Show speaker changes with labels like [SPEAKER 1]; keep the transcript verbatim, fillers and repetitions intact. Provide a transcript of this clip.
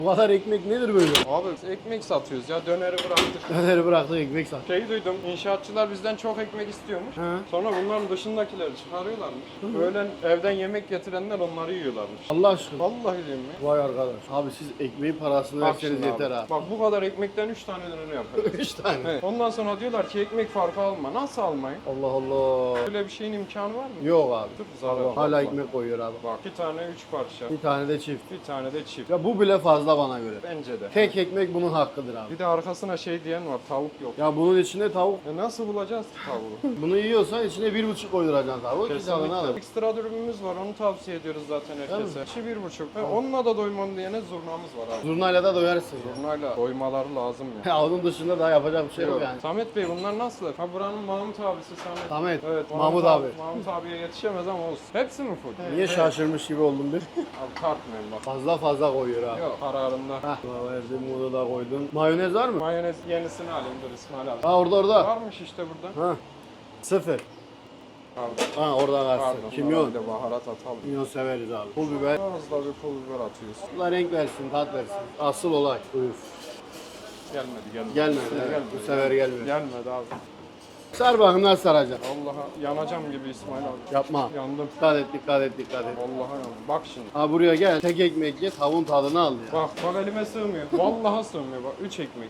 [SPEAKER 1] Bu kadar ekmek nedir böyle?
[SPEAKER 2] Abi ekmek satıyoruz ya, döneri bıraktık.
[SPEAKER 1] Döneri bıraktık ekmek sat.
[SPEAKER 2] Şey duydum, inşaatçılar bizden çok ekmek istiyormuş.
[SPEAKER 1] He.
[SPEAKER 2] Sonra bunların dışındakileri çıkarıyorlarmış. Öğlen evden yemek getirenler onları yiyorlarmış.
[SPEAKER 1] Allah aşkına.
[SPEAKER 2] Vallahi diyeyim mi?
[SPEAKER 1] Vay arkadaş. Abi siz ekmeğin parasını
[SPEAKER 2] Bak
[SPEAKER 1] verseniz
[SPEAKER 2] şimdi
[SPEAKER 1] yeter
[SPEAKER 2] abi.
[SPEAKER 1] abi.
[SPEAKER 2] Bak bu kadar ekmekten üç tane döner yaparız.
[SPEAKER 1] Üç tane.
[SPEAKER 2] Evet. Ondan sonra diyorlar ki ekmek farkı alma. Nasıl almayın?
[SPEAKER 1] Allah Allah.
[SPEAKER 2] Böyle bir şeyin imkanı var mı?
[SPEAKER 1] Yok abi.
[SPEAKER 2] Dur, zarar.
[SPEAKER 1] Allah. Hala
[SPEAKER 2] Vallahi.
[SPEAKER 1] ekmek koyuyor abi.
[SPEAKER 2] Bak iki tane üç parça.
[SPEAKER 1] Bir tane de çift.
[SPEAKER 2] Bir tane de çift.
[SPEAKER 1] Ya bu bile fazla bana göre.
[SPEAKER 2] Bence de.
[SPEAKER 1] Tek ekmek bunun hakkıdır abi.
[SPEAKER 2] Bir de arkasına şey diyen var, tavuk yok.
[SPEAKER 1] Ya bunun içinde tavuk.
[SPEAKER 2] E nasıl bulacağız ki tavuğu?
[SPEAKER 1] Bunu yiyorsan içine bir buçuk koyduracaksın tavuğu. İki tane
[SPEAKER 2] Kesinlikle.
[SPEAKER 1] alır.
[SPEAKER 2] Ekstra dürümümüz var, onu tavsiye ediyoruz zaten herkese. İçi bir buçuk. Ve onunla da doymam diyene zurnamız var abi.
[SPEAKER 1] Zurnayla da doyarsın ya.
[SPEAKER 2] Zurnayla doymaları lazım ya.
[SPEAKER 1] Ya onun dışında daha yapacak bir şey yok yani.
[SPEAKER 2] Samet Bey bunlar nasıl? Ha buranın Mahmut abisi Samet.
[SPEAKER 1] Samet,
[SPEAKER 2] Evet,
[SPEAKER 1] Mahmut abi.
[SPEAKER 2] Mahmut abiye yetişemez ama olsun. Hepsi mi full?
[SPEAKER 1] Niye şaşırmış gibi oldun bir?
[SPEAKER 2] Abi tartmıyorum bak.
[SPEAKER 1] Fazla fazla koyuyor abi.
[SPEAKER 2] Yok kararında.
[SPEAKER 1] Hah. Verdim bunu da koydun. Mayonez var mı?
[SPEAKER 2] Mayonez yenisini alayım dur İsmail abi.
[SPEAKER 1] Ha orada orada.
[SPEAKER 2] Varmış işte burada.
[SPEAKER 1] Ha. Sıfır.
[SPEAKER 2] Pardon.
[SPEAKER 1] Ha orada
[SPEAKER 2] Pardon.
[SPEAKER 1] kalsın.
[SPEAKER 2] buna
[SPEAKER 1] Kimyon.
[SPEAKER 2] Bir de baharat atalım.
[SPEAKER 1] Kimyon severiz abi. Pul biber.
[SPEAKER 2] Az da bir pul biber atıyoruz.
[SPEAKER 1] Allah renk versin, tat versin. Asıl olay. Buyur.
[SPEAKER 2] Gelmedi gelmedi.
[SPEAKER 1] Gelmedi.
[SPEAKER 2] Gelmedi.
[SPEAKER 1] Evet. Bu sefer gelmedi.
[SPEAKER 2] Gelmedi abi.
[SPEAKER 1] Sar bakın nasıl saracaksın.
[SPEAKER 2] Allah'a yanacağım gibi İsmail abi.
[SPEAKER 1] Yapma.
[SPEAKER 2] Yandım.
[SPEAKER 1] Dikkat et, dikkat et, dikkat et.
[SPEAKER 2] Vallahi yandım. Bak şimdi.
[SPEAKER 1] Ha buraya gel. Tek ekmek ye, tavuğun tadını al ya.
[SPEAKER 2] Bak bak elime sığmıyor. Vallahi sığmıyor bak. Üç ekmek.